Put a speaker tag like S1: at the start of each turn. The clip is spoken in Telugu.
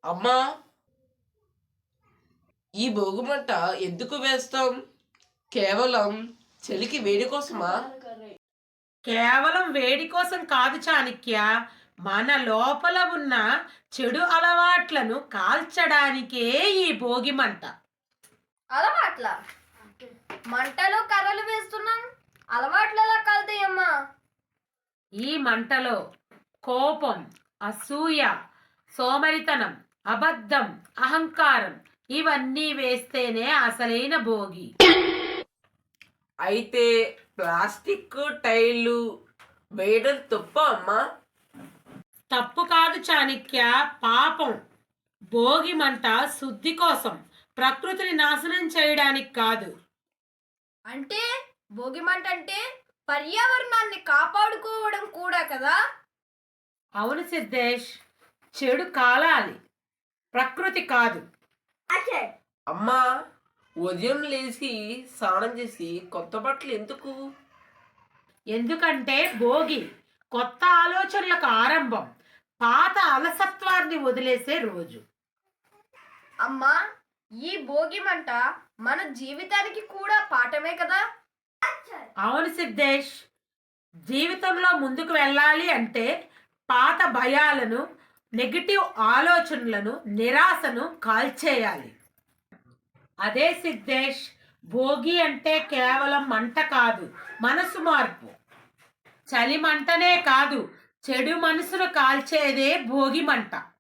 S1: అమ్మా, ఈ భోగిమంట ఎందుకు వేస్తాం? కేవలం చలికి వేడి కోసమా?
S2: కేవలం వేడి కోసం కాదు చాణక్య, మన లోపల ఉన్న చెడు అలవాట్లను కాల్చడానికే ఈ భోగి మంట.
S3: అలవాట్ల మంటలో కర్రలు వేస్తున్నాం, అలవాట్లు ఎలా కలుతాయమ్మా?
S2: ఈ మంటలో కోపం, అసూయ, సోమరితనం, అబద్ధం, అహంకారం ఇవన్నీ వేస్తేనే అసలైన భోగి.
S1: అయితే ప్లాస్టిక్ టైర్లు వేయడం తప్ప అమ్మా?
S2: తప్పు కాదు చాణక్య, పాపం. భోగి మంట శుద్ధి కోసం, ప్రకృతిని నాశనం చేయడానికి కాదు.
S3: అంటే భోగి మంట అంటే పర్యావరణాన్ని కాపాడుకోవడం కూడా కదా?
S2: అవును సిద్ధేష్, చెడు కాలాలి, ప్రకృతి కాదు.
S1: అమ్మా, ఉదయం లేచి స్నానం చేసి కొత్త బట్టలు ఎందుకు?
S2: ఎందుకంటే భోగి కొత్త ఆలోచనలకు ఆరంభం, పాత అలసత్వాన్ని వదిలేసే రోజు.
S3: అమ్మా, ఈ భోగి మంట మన జీవితానికి కూడా పాఠమే కదా?
S2: అవును సిద్ధేష్, జీవితంలో ముందుకు వెళ్ళాలి అంటే పాత భయాలను, నెగిటివ్ ఆలోచనలను, నిరాశను కాల్చేయాలి. అదే సిద్ధేష్, భోగి అంటే కేవలం మంట కాదు, మనసు మార్పు. చలి మంటనే కాదు, చెడు మనసును కాల్చేదే భోగి మంట.